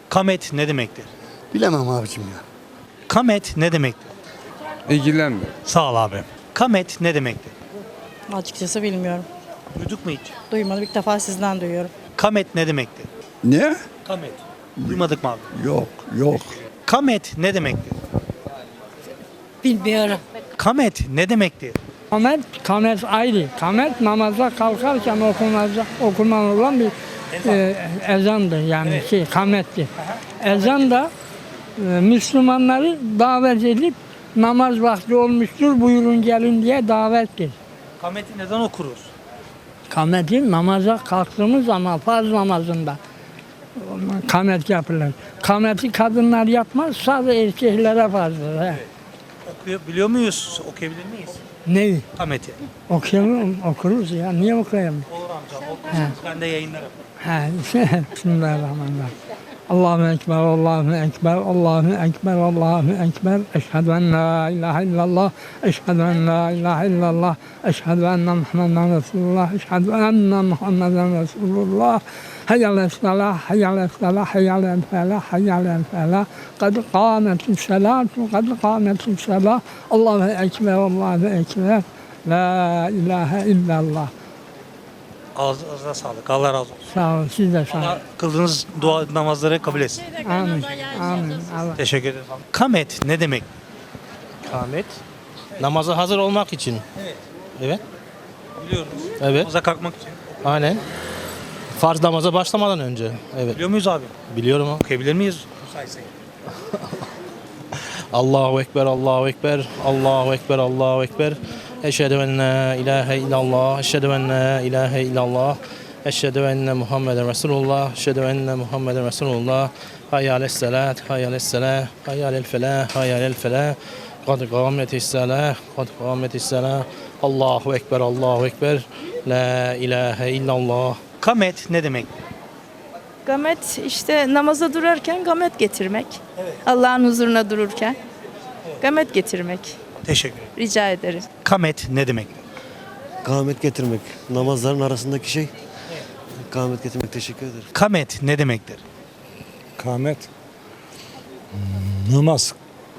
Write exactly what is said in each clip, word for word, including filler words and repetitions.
Kamet ne demektir? Bilemem abicim ya. Kamet ne demektir? İlgilenme. Sağ ol abi. Kamet ne demektir? Açıkçası bilmiyorum. Duyduk mu hiç? Duymadım. İlk defa sizden duyuyorum. Kamet ne demektir? Ne? Kamet. Duymadık mı abi? Yok, yok. Kamet ne demektir? Bilmiyorum. Kamet ne demektir? Kamet, kamet ayrı. Kamet namaza kalkarken okunacak, okunan bir e, ezandır yani şey kamettir. Ezan da e, Müslümanları davet edip namaz vakti olmuştur buyurun gelin diye davettir. Kameti neden okuruz? Kameti namaza kalktığımız zaman farz namazında kamet yapılır. Kameti kadınlar yapmaz sadece erkeklere farzdır. He. Okuyor, biliyor muyuz? Okuyabilir miyiz? Ne? Kameti. Okuyalım, okuruz ya. Niye okuyalım? Olur amca. Okursunuz. Ben de yayınlarım. Ha, Bismillahirrahmanirrahim. Allahu Ekber, Allahu Ekber, Allahu Ekber, Allahu Ekber. Eşhedü en la ilahe illallah, eşhedü en la ilahe illallah, eşhedü enne Muhammeden Resulullah, eşhedü enne Muhammeden Resulullah. Hayyâle selah, hayyâle selah, hayyâle felah, hayyâle felah. Kad kâmetis selâtu, kad kâmetis selah. Allahu Ekber, Allahu Ekber. La ilahe illallah. Ağzınıza sağlık. Allah razı olsun. Sağ olun, siz de sağ olun. Allah kıldığınız dua namazları kabul etsin. Amin. Amin. Allah. Teşekkür ederim. Kamet ne demek? Kamet. Namaza hazır olmak için. Evet. Evet. Biliyoruz. Evet. Namaza kalkmak için. Aynen. Farz namaza başlamadan önce. Evet. Biliyor muyuz abi? Biliyorum o. Okuyabilir miyiz? Müsaitsek. Allahu Ekber, Allahu Ekber, Allahu Ekber, Allahu Ekber. Eşhedü en la ilahe illallah, eşhedü en la ilahe illallah, eşhedü enne Muhammeden Resulullah, eşhedü enne Muhammeden Resulullah. Hayyâles salat, hayyâles selah, hayyâlel felah, hayyâlel felah. Kad kâmetis salah, kad kâmetis salah. Allahu Ekber, Allahu Ekber. La ilahe illallah. Kamet ne demek? Gamet işte namaza durarken gamet getirmek. Allah'ın huzuruna dururken gamet getirmek. Teşekkür ederim. Rica ederim. Kamet ne demek? Kâhmet getirmek. Namazların arasındaki şey. Kâhmet getirmek. Teşekkür ederim. Kamet ne demektir? Kâmet namaz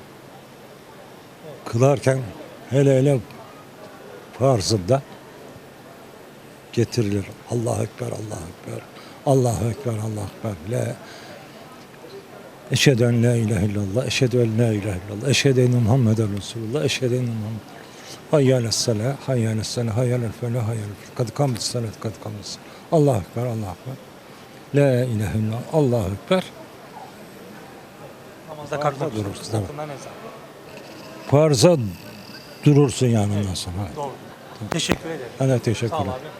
kılarken hele hele farzında getirilir. Allahu Ekber, Allahu Ekber, Allahu Ekber, Allahu Ekber. La Eşhedü en la ilahe illallah, eşhedü en la ilahe illallah, eşhedü enne Muhammeden Resulullah, eşhedü enne Muhammed. Hayyâles selah, hayyâles selah, hayyâlel felah, hayyâlel felah. Kad kâmetis salat, kad kâmetis salat. Allahu Ekber, Allahu Ekber. La ilahe illallah, Allahu Ekber. Namazda kalkmak dururuz, dururuz. evet. Farza durursun yani ondan sonra. Doğru. Teşekkür ederim. Ben de teşekkür Sağ ol ederim. abi.